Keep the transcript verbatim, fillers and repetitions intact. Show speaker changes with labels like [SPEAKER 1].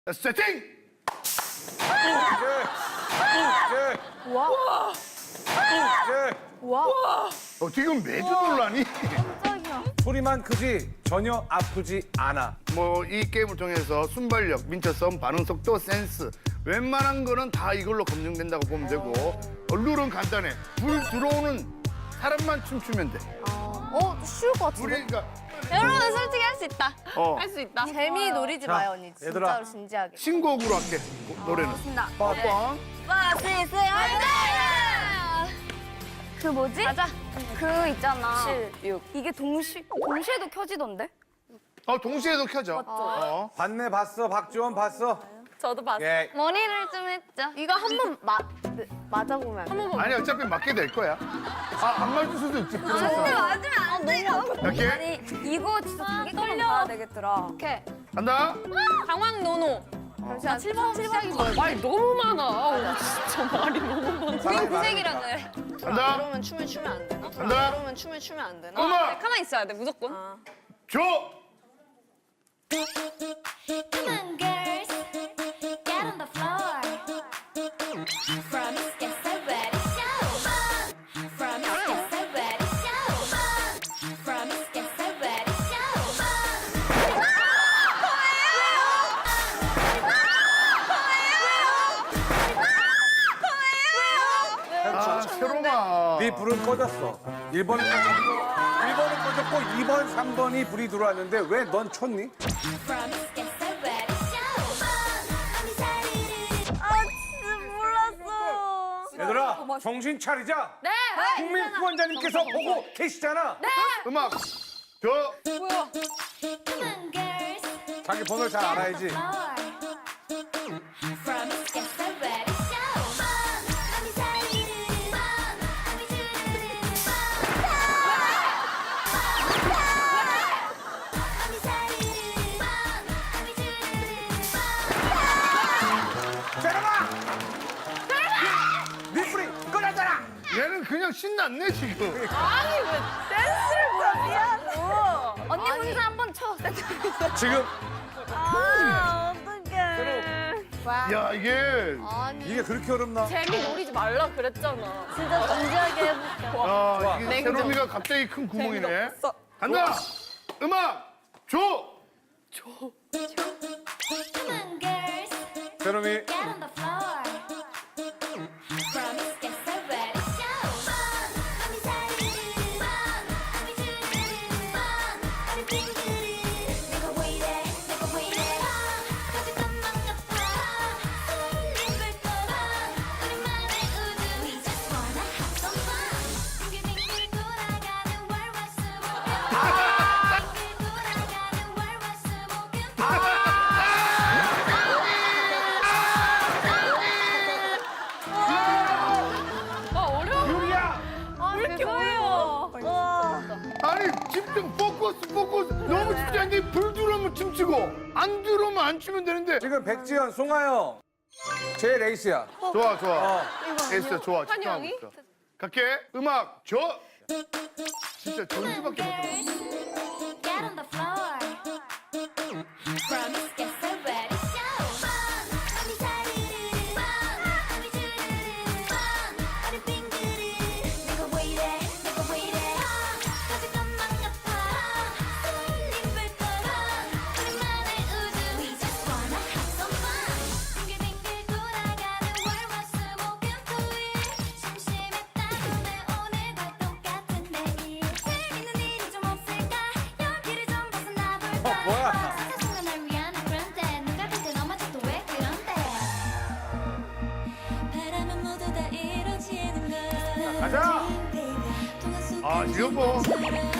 [SPEAKER 1] 세팅!
[SPEAKER 2] 와. 와.
[SPEAKER 1] 어, 지금 매주 놀라니?
[SPEAKER 2] 깜짝이야.
[SPEAKER 3] 소리만 크지 전혀 아프지 않아.
[SPEAKER 1] 뭐 이 게임을 통해서 순발력, 민첩성, 반응 속도, 센스 웬만한 거는 다 이걸로 검증된다고 보면 되고 어, 룰은 간단해. 불 들어오는 사람만 춤추면 돼.
[SPEAKER 2] 어, 쉬울 것 같은데?
[SPEAKER 1] 우리 그러니까
[SPEAKER 4] 여러분 솔직히 할 수 있다.
[SPEAKER 1] 어,
[SPEAKER 4] 할 수 있다.
[SPEAKER 2] 재미 노리지
[SPEAKER 3] 자,
[SPEAKER 2] 마요, 언니.
[SPEAKER 3] 얘들아.
[SPEAKER 2] 진짜로 진지하게.
[SPEAKER 1] 신곡으로 할게 노래는.
[SPEAKER 2] 신나.
[SPEAKER 1] 빠빵.
[SPEAKER 2] 빠시스 그 뭐지?
[SPEAKER 4] 가자.
[SPEAKER 2] 그 있잖아.
[SPEAKER 4] 칠, 육.
[SPEAKER 2] 이게 동시 동시에도 켜지던데?
[SPEAKER 1] 어 동시에도 켜져. 어.
[SPEAKER 3] 봤네 봤어 박지원 봤어.
[SPEAKER 4] 저도 봤어.
[SPEAKER 3] 예.
[SPEAKER 4] 머리를 좀 했죠.
[SPEAKER 2] 이거 한 번 맞 맞아보면. 한 번.
[SPEAKER 1] 아니 어차피 맞게 될 거야. 아안 맞을 수도 있지. 그래서.
[SPEAKER 2] 맞으면 안 돼요.
[SPEAKER 1] 이렇게
[SPEAKER 2] 아니 이거 진짜 자기거만 봐야 되겠더라.
[SPEAKER 4] 오케이.
[SPEAKER 1] 간다.
[SPEAKER 4] 강황 노노.
[SPEAKER 2] 잠시만. 칠 번 칠 번이 뭐야?
[SPEAKER 4] 말이 너무 많아. 아우, 진짜 말이 너무 많아.
[SPEAKER 3] 사랑해,
[SPEAKER 4] 구색이라 그래.
[SPEAKER 1] 간다.
[SPEAKER 5] 그러면 춤을 추면 안 되나?
[SPEAKER 1] 간다.
[SPEAKER 5] 그러면 춤을 추면 안 되나?
[SPEAKER 1] 음악
[SPEAKER 4] 가만히 있어야 돼, 무조건.
[SPEAKER 1] 줘.
[SPEAKER 6] Come on, girls, get on the floor. From get so ready, show on. From get so ready, show on. From get so ready, show on.
[SPEAKER 1] 아 새로마.
[SPEAKER 3] 네 불은 꺼졌어. 일 번은 꺼졌고 일 번은 꺼졌고 이 번, 삼 번이 불이 들어왔는데 왜 넌 쳤니?
[SPEAKER 6] From get so ready, show on. 언니 자리를
[SPEAKER 2] 아 진짜 몰랐어.
[SPEAKER 3] 얘들아 정신 차리자.
[SPEAKER 4] 네.
[SPEAKER 3] 국민 후원자님께서 보고 계시잖아.
[SPEAKER 1] 음악 줘.
[SPEAKER 6] Come on, girls,
[SPEAKER 3] 자기 번호를 잘 알아야지.
[SPEAKER 6] floor. From get so ready, show on. 언니 자리를 언니 주르르 언니 자리를 언니 주르르
[SPEAKER 3] 세라마! 네 불이 꺼졌잖아.
[SPEAKER 1] 얘는 그냥 신났네 지금.
[SPEAKER 2] 언니 혼자 한 번 쳐.
[SPEAKER 3] 지금
[SPEAKER 2] 아 어떡해.
[SPEAKER 1] 야 이게
[SPEAKER 3] 이게 그렇게 어렵나?
[SPEAKER 4] 재미 노리지 말라 그랬잖아.
[SPEAKER 2] 진짜 진지하게 해볼게.
[SPEAKER 1] 아
[SPEAKER 3] 좋아.
[SPEAKER 1] 이게
[SPEAKER 4] 냉정.
[SPEAKER 1] 새로미가 갑자기 큰 구멍이네.
[SPEAKER 4] 재미없어.
[SPEAKER 1] 간다. 음악 줘.
[SPEAKER 6] Come on, girls,
[SPEAKER 3] 세롬이
[SPEAKER 6] get on the floor. From get so ready, show on. 언니 자리를 언니 주르르 언니 빙그리. 내가 왜 이래, 내가 왜 이래. 가질 것만 같아. 설렘을 떠나. 우리만의 우주. We just wanna have some fun. 빙글빙글 돌아가는 월화수목금. 빙글 돌아가는 월화수목금.
[SPEAKER 4] 아, 어려워.
[SPEAKER 3] 유리야.
[SPEAKER 4] 왜 이렇게 어려워?
[SPEAKER 1] 아니 집중 포커스 포커스 너무 집중한데 불 들어오면 춤추고 안 들어오면 안 추면 되는데.
[SPEAKER 3] 지금 백지연, 송하영 제 레이스야.
[SPEAKER 1] 좋아 좋아.
[SPEAKER 3] 어.
[SPEAKER 1] 에이스 좋아. 집중하고
[SPEAKER 4] 한영이?
[SPEAKER 1] 있어. 갈게. 음악 줘. 진짜 전주밖에 못 들어.
[SPEAKER 6] Get on the floor. From get so ready, show on. 언니 자리를 언니 주르르 언니 빙그리. 내가 왜 이래, 내가 왜 이래. 가질 것만 같아. 설렘을 떠나. 우리만의 우주. We just wanna have some fun. 빙글빙글 돌아가는 월화수목금토일. 심심했다고 내 오늘과 똑같은 내일. 재밌는 일이 좀 없을까? 여기를 좀 벗어나 볼까?
[SPEAKER 3] 어, 뭐야?
[SPEAKER 6] 사소한 날 위한 그런데 누가 볼때 넘어져도 왜 그런데? 바라면 모두 다 이루어지는 걸.
[SPEAKER 3] 가자.
[SPEAKER 1] 아 지금 뭐